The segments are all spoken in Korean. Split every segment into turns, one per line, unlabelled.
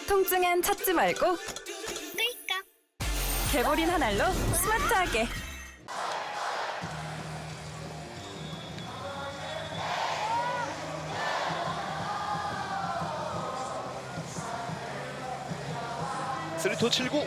통증엔 찾지 말고
끌까?
개보린 한 알로 스마트하게.
스리토 7구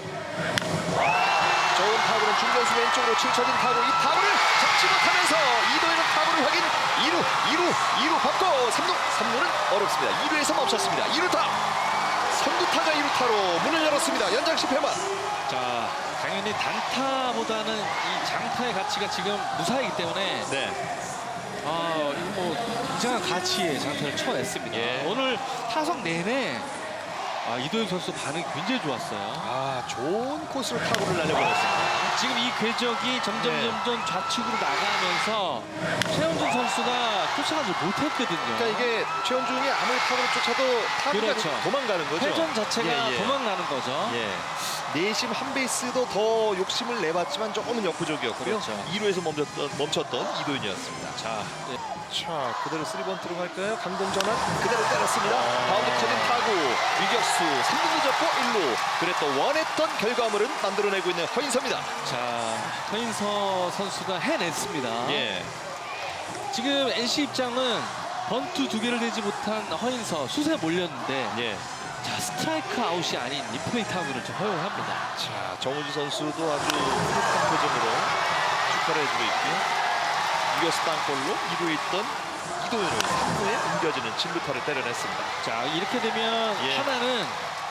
좋은 타구는 중견수 왼쪽으로 치쳐진 타구, 이 타구를 잡지 못하면서 이도현은 타구를 확인. 2루 받고 3루는 어렵습니다. 2루에서 멈췄습니다. 2루타 선두 타자 2루타로 문을 열었습니다. 연장 10회만.
자, 당연히 단타보다는 이 장타의 가치가 지금 무사이기 때문에
네.
이거 뭐 굉장한 가치의 장타를 쳐냈습니다.
예.
오늘 타석 내내 이도현 선수 반응이 굉장히 좋았어요.
좋은 코스로 타구를 날려보냈습니다.
지금 이 궤적이 점점 좌측으로 나가면서 최원준 선수가 쫓아가지 못했거든요.
그러니까 이게 최원중이 아무리 타구를 쫓아도 타구가
그렇죠.
도망가는 거죠.
회전 자체가
예.
도망가는 거죠.
예. 내심 한 베이스도 더 욕심을 내봤지만 조금은 역부족이었고요.
그렇죠.
2루에서 멈췄던 이도현이었습니다.
자, 네.
자, 그대로 3번 들어갈까요? 강동 전환 그대로 때렸습니다. 바운드 커진 타구, 유격수 3루 접고 1루. 그랬던 원했던 결과물은 만들어내고 있는 허인서입니다.
자, 허인서 선수가 해냈습니다.
예.
지금 NC 입장은 번트 2개를 내지 못한 허인서 수세 몰렸는데
예.
자, 스트라이크 아웃이 아닌 리플레이 타구를 좀 허용합니다.
자, 정우주 선수도 아주 뿌듯한 표정으로 축하를 해주고 있고요. 유격수 땅볼로 2루에 있던 이도현을 3루에 옮겨지는 진루타를 때려냈습니다.
자, 이렇게 되면
예.
하나는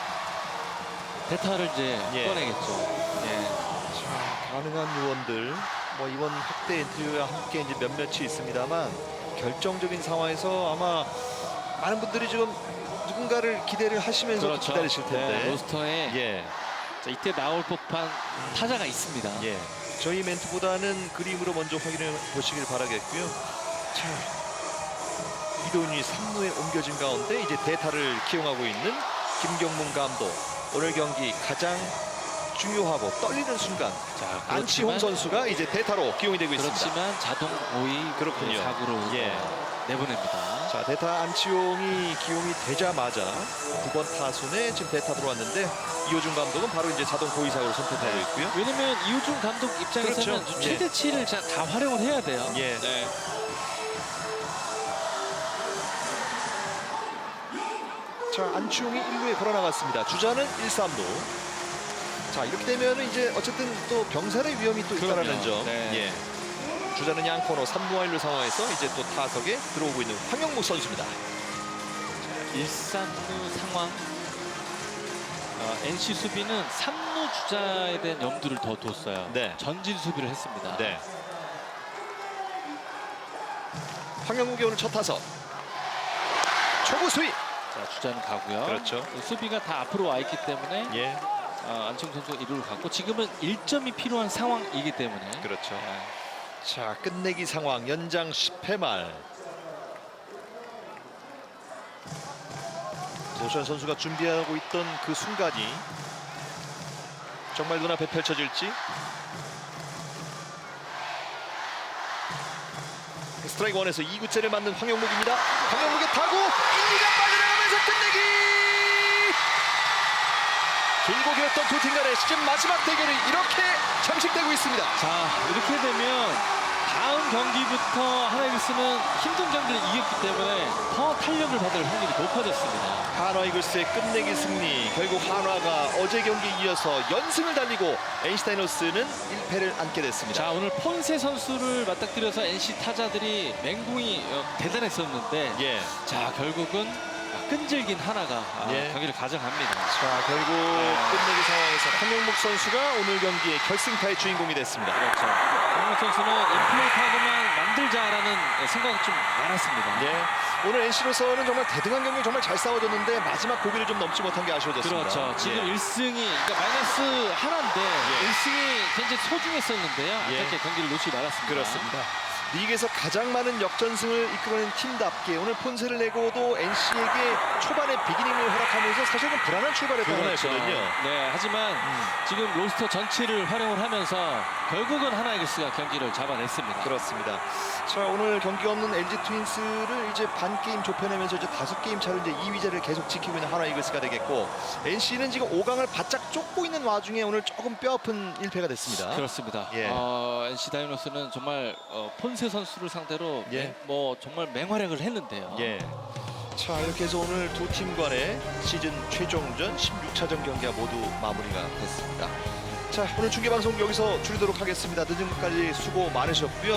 대타를 이제
예.
꺼내겠죠. 예.
자, 가능한 요원들 뭐 이번 확대 인터뷰와 함께 이제 몇몇이 있습니다만 결정적인 상황에서 아마 많은 분들이 지금 누군가를 기대를 하시면서 기다리실 텐데.
네, 로스터에
예.
자, 이때 나올 법한 타자가 있습니다.
예. 저희 멘트보다는 그림으로 먼저 확인해 보시길 바라겠고요. 자, 이도훈이 3루에 옮겨진 가운데 이제 대타를 기용하고 있는 김경문 감독. 오늘 경기 가장 중요하고 떨리는 순간
자,
안치홍 선수가 이제 대타로 기용이 되고 있습니다.
그렇지만 자동 고의
그렇군요.
사구로
예.
내보냅니다.
자, 대타 안치홍이 기용이 되자마자 9번 타순에 지금 대타 들어왔는데 이호준 감독은 바로 이제 자동 고의사고를 선택하고 있고요.
왜냐면 이호준 감독 입장에서는
그렇죠.
최대치를 다 활용을 해야 돼요.
예.
네.
자, 안치홍이 1루에 걸어나갔습니다. 주자는 1, 3루. 자, 이렇게 되면은 이제 어쨌든 또 병살의 위험이 또 있다라는
그럼요.
점.
네.
예. 주자는 양코너 3루와 1루 상황에서 이제 또 타석에 들어오고 있는 황영무 선수입니다.
1-3루 상황. NC 수비는 3루 주자에 대한 염두를 더 뒀어요.
네.
전진 수비를 했습니다.
네. 황영무의 오늘 첫 타석. 초구 스윙.
자, 주자는 가고요.
그렇죠.
수비가 다 앞으로 와 있기 때문에
예.
안치홍 선수가 1루를 갔고 지금은 1점이 필요한 상황이기 때문에
그렇죠.
네.
자, 끝내기 상황 연장 10회 말. 도션 선수가 준비하고 있던 그 순간이 정말 눈앞에 펼쳐질지. 스트라이크 원에서 2구째를 맞는 황영묵입니다. 황영묵의 타구 1루가 빠져나가면서 끝내기. 길고 길었던 두 팀 간의 시즌 마지막 대결이 이렇게 잠식되고 있습니다.
자, 이렇게 되면 다음 경기부터 하나이글스는 힘든 경기를 이겼기 때문에 더 탄력을 받을 확률이 높아졌습니다.
한화 이글스의 끝내기 승리. 결국 한화가 어제 경기에 이어서 연승을 달리고 NC 다이노스는 1패를 안게 됐습니다.
자, 오늘 폰세 선수를 맞닥뜨려서 NC 타자들이 맹공이 대단했었는데
예.
자, 결국은 끈질긴 하나가
예.
경기를 가져갑니다.
자, 결국 끝내기 상황에서 황영묵 선수가 오늘 경기의 결승타의 주인공이 됐습니다.
그렇죠. 황영묵 선수는 인플레이 타구만 만들자라는 생각이 좀 많았습니다.
예. 오늘 NC로서는 정말 대등한 경기 정말 잘 싸워줬는데 마지막 고비를 좀 넘지 못한 게 아쉬워졌습니다.
그렇죠. 지금
예.
1승이 그러니까 마이너스 하나인데
예.
1승이 굉장히 소중했었는데요.
예.
아깝게 경기를 놓치지 말았습니다.
그렇습니다. 리그에서 가장 많은 역전승을 이끌어낸 팀답게 오늘 폰세를 내고도 NC에게 초반에 비기닝을 허락하면서 사실은 불안한 출발했던 하나였거든요.
네, 하지만 지금 로스터 전체를 활용을 하면서 결국은 하나이글스가 경기를 잡아냈습니다.
그렇습니다. 자, 오늘 경기 없는 LG 트윈스를 이제 반 게임 좁혀내면서 이제 5게임 차로 이제 2위제를 계속 지키고 있는 하나 이글스가 되겠고, NC는 지금 5강을 바짝 쫓고 있는 와중에 오늘 조금 뼈아픈 1패가 됐습니다.
그렇습니다.
예.
NC 다이노스는 정말 폰세 선수를 상대로
예.
정말 맹활약을 했는데요.
예. 자, 이렇게 해서 오늘 두 팀 간의 시즌 최종전 16차전 경기가 모두 마무리가 됐습니다. 자, 오늘 중계방송 여기서 줄이도록 하겠습니다. 늦은 것까지 수고 많으셨고요.